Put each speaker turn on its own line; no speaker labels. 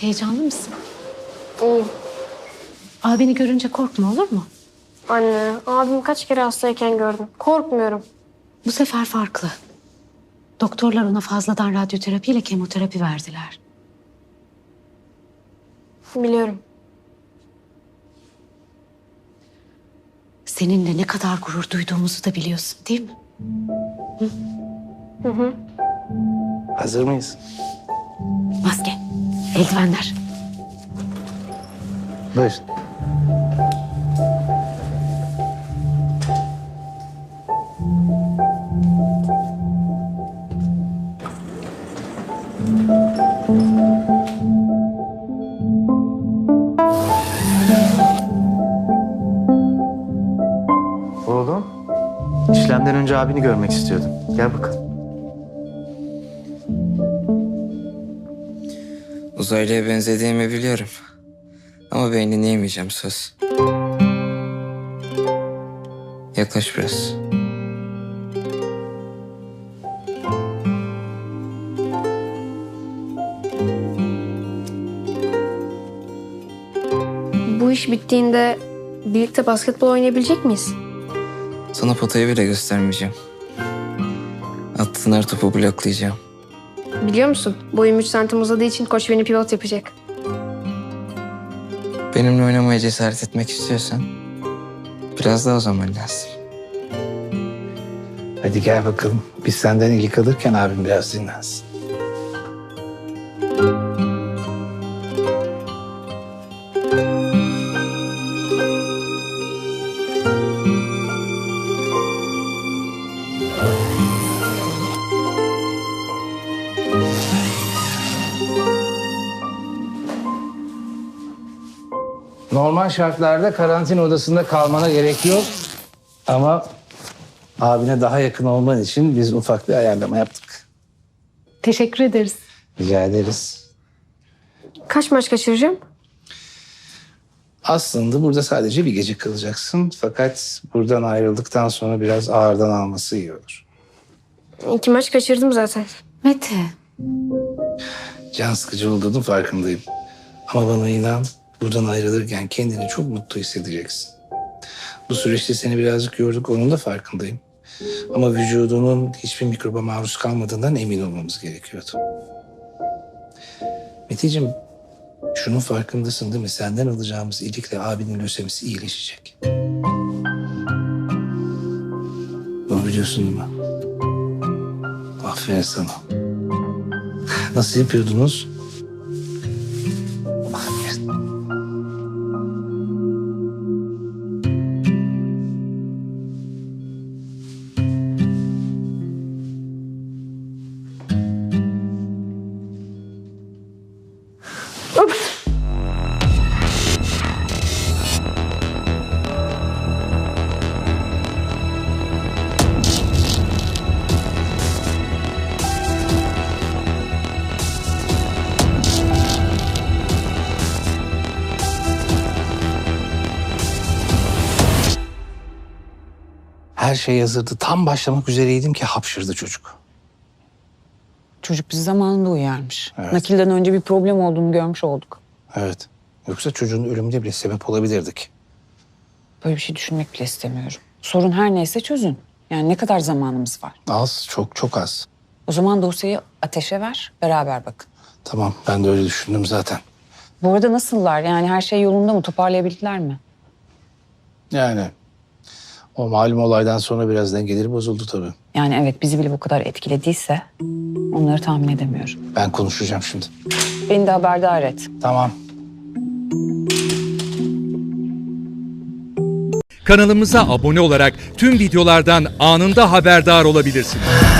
Heyecanlı mısın?
İyiyim.
Abini görünce korkma, olur mu?
Anne, abim kaç kere hastayken gördüm. Korkmuyorum.
Bu sefer farklı. Doktorlar ona fazladan radyoterapi ile kemoterapi verdiler.
Biliyorum.
Seninle ne kadar gurur duyduğumuzu da biliyorsun, değil mi?
Hazır mıyız?
Maske, eldivenler.
Buyurun. Oğlum, işlemden önce abini görmek istiyordum. Gel bakalım.
Uzaylıya benzediğimi biliyorum. Ama beynini yemeyeceğim, söz. Yaklaş biraz.
Bu iş bittiğinde birlikte basketbol oynayabilecek miyiz?
Sana potayı bile göstermeyeceğim. Attığın her topu bloklayacağım.
Biliyor musun? Boyum 3 santim uzadığı için koç beni pivot yapacak.
Benimle oynamaya cesaret etmek istiyorsan biraz daha o zaman lazım.
Hadi gel bakalım. Biz senden ilgi alırken abim biraz dinlensin. Normal şartlarda karantina odasında kalmana gerek yok. Ama abine daha yakın olman için biz ufak bir ayarlama yaptık.
Teşekkür ederiz.
Rica ederiz.
Kaç maç kaçıracağım?
Aslında burada sadece bir gece kalacaksın. Fakat buradan ayrıldıktan sonra biraz ağırdan alması iyi olur.
2 maç kaçırdım zaten.
Mete,
Can sıkıcı olduğunun farkındayım. Ama bana inan, buradan ayrılırken kendini çok mutlu hissedeceksin. Bu süreçte seni birazcık yorduk, onun da farkındayım. Ama vücudunun hiçbir mikroba maruz kalmadığından emin olmamız gerekiyordu. Meteciğim, şunun farkındasın değil mi? Senden alacağımız iyilikle abinin lösemisi iyileşecek. Bunu biliyorsun değil mi? Aferin sana. Nasıl yapıyordunuz? Aferin. Her şey hazırdı. Tam başlamak üzereydim ki hapşırdı çocuk.
Çocuk bizi zamanında uyarmış.
Evet.
Nakilden önce bir problem olduğunu görmüş olduk.
Evet. Yoksa çocuğun ölümüne bile sebep olabilirdik.
Böyle bir şey düşünmek bile istemiyorum. Sorun her neyse çözün. Yani ne kadar zamanımız var?
Az, çok çok az.
O zaman dosyayı Ateş'e ver, beraber bakın.
Tamam, ben de öyle düşündüm zaten.
Bu arada nasıllar? Yani her şey yolunda mı? Toparlayabildiler mi?
Yani o malum olaydan sonra biraz dengeleri bozuldu tabii.
Yani evet, bizi bile bu kadar etkilediyse onları tahmin edemiyorum.
Ben konuşacağım şimdi.
Beni de haberdar et.
Tamam.
Kanalımıza abone olarak tüm videolardan anında haberdar olabilirsiniz.